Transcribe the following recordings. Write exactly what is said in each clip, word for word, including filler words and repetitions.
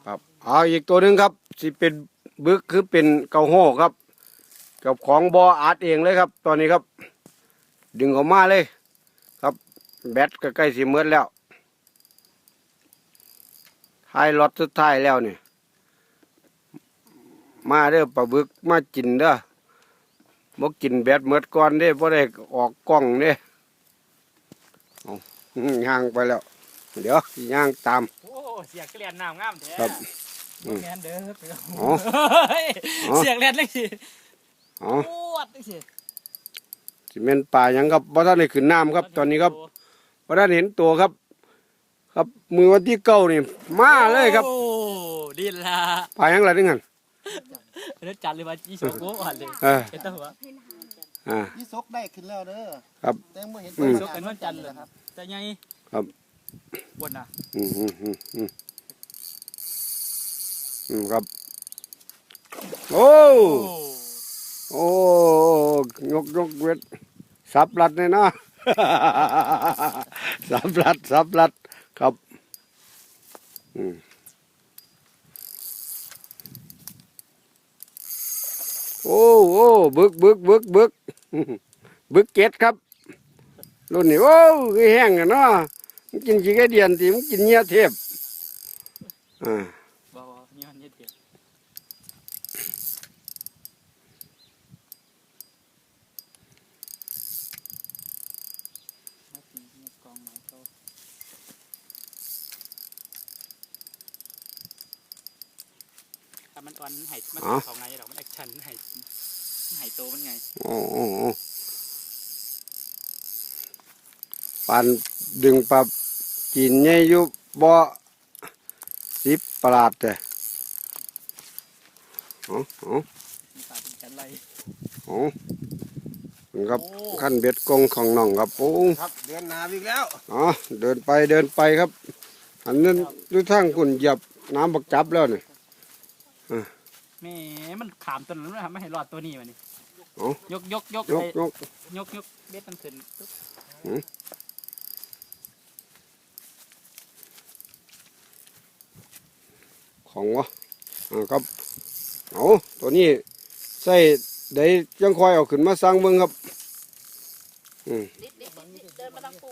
ครับเอาอีกตัวหนึ่งครับสิเป็นบึกคือเป็นเกาโห่ครับกับของบออาร์ตเองเลยครับตอนนี้ครับ ดึงออกมาเลยครับแบตก็ใกล้สิเมือแล้วท้ายรถสุดท้ายแล้วนี่มาเด้อปลาบึกมากินเด้อบ่กินแบตเมือก่อนเด้บ่ได้ออกกล้องเด้เอาย่างไปแล้วเดี๋ยวย่างตามโอ้เสียงเกลียนน้ำงามแท้ครับแมนเด้ออ๋อเสียงเลียนเลยสิอ๋อปวดเลยสิสิเมนป่ายังครับเพราะท่านได้ขึ้นน้ำครับตอนนี้ครับเพราะท่านเห็นตัวครับ ครับมือวันที่เก้านี่มาเลยครับโอ้ดีละป่ายังไรนึงกันเนื้อจัดเลยว่าจีโซโก้อ่อนเลยเป็นตัวหัวอ่ายี่ซกได้ขึ้นแล้วเด้อครับแต่เมื่อเห็นจีโซกันวันจันทร์เลยครับแต่ไงครับบนน่ะอืมอืมอืมอืมอืมครับโอ้โอ้ยกยกเวทสับลัดเลยนะ สับลัดสับลัดครับอืมโอ้โอ้บึกบึกบึกบึกบึกเก็ดครับรุ่นนี้โอ้ยแห้งกันเนาะมันกินขี้ไก่เดียนทีมันกินเนื้อเทพอ่าบ่บ่นี่มันเยอะเดียวกองไม้เขาถ้ามันอ่อนมันหายมันของไงหรอกมันแอคชั่นมันหายหายโตมันไงโอ้โอ้ปานดึงปลากินใหญ่อยู่บ่อสิบปลาดแต่โอ้โอ้โอ้ครับขั้นเบ็ดกงของน้องครับโอ้ครับเดินนาอีกแล้วอ๋อเดินไปเดินไปครับอันนั้นดูทางคุณเหยียบน้ำบักจับแล้วนี่แม่มันขามตัวนั้นไม่ทำไม่ให้รอดตัวนี้มันนี่ยกยกยกยกยกยกยกเบ็ดมันขึ้นของวะอ่าครับเอาตัวนี้ใส่ได้ยังคอยเอาขึ้นมาสร้างเมืองครับอืมเดินมาทางปู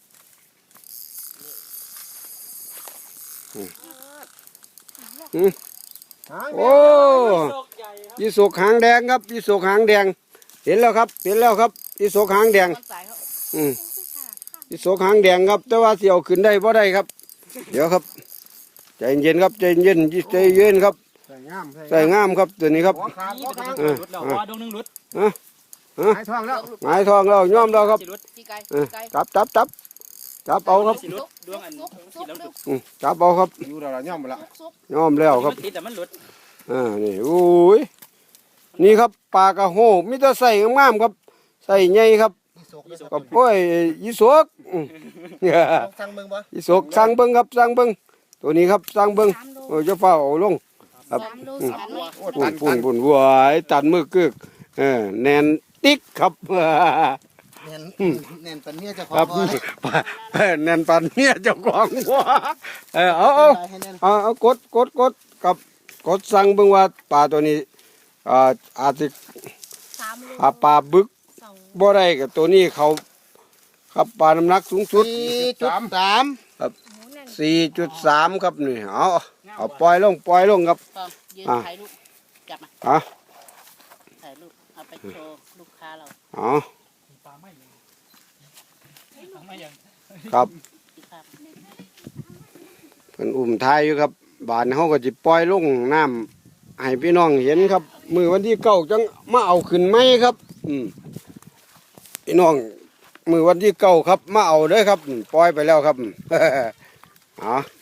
อืมโอ้ยี่สกหางแดงครับยี่สกหางแดงเห็นแล้วครับเห็นแล้วครับยี่สกหางแดงอืมยี่สกหางแดงครับแต่ว่าเสียวขึ้นได้เพราะได้ครับเดี๋ยวครับใจเย็นครับใจเย็นใจเย็นครับใส่งามใส่งามครับตัวนี้ครับเออว่าดวงนึงหลุดฮะฮะหายท้องแล้วหงายทองแล้วย่อมแล้วครับจับจับจับจับเอาครับดวงอันจับเอาครับอยู่แล้วย่อมแล้วย่อมแล้วครับติดแต่มันหลุดอ่านี่โอ้ยนี่ครับปลากระโหมิตรใส่งามครับใส่ใหญ่ครับกับพ่อยยี่สกสั่งเบิ้งบ่ยี่สกสั่งเบิ้งครับสั่งเบิ้งตัวนี้ครับสั่งเบิ้งโอ้ยจะเฝ้าเอาลงครับปุ่นปุ่นปุ่นวัวไอ้ตันมือกึกเออแนนติ๊กครับแน่นแน่นปันเมียเจ้าของแน่นปันเมียเจ้าของวัวเออเอาเอาเอาเอากดกดกดกับกดสั่งเบิ่งว่าปลาตัวนี้อ่าอาจจะปลาบึกบ่ได้กับตัวนี้เขาครับปลาน้ำหนักสูงสุดสี่จุดสามครับสี่จุดสามครับนี่เอาเอาปล่อยลงปล่อยลงครับยืนถ่ายรูปจับมาอ่ะถ่ายรูปเอาไปโชว์ลูกค้าเราอ๋อครับเป็นอุ่มท้ายอยู่ครับบานเขาก็จะปล่อยลงน้ำให้พี่น้องเห็นครับมือวันที่เก้าจังมาเอาขึ้นไหมครับอืมพี่น้องมือวันที่เก้าครับมาเอาเด้อครับปล่อยไปแล้วครับอ๋อ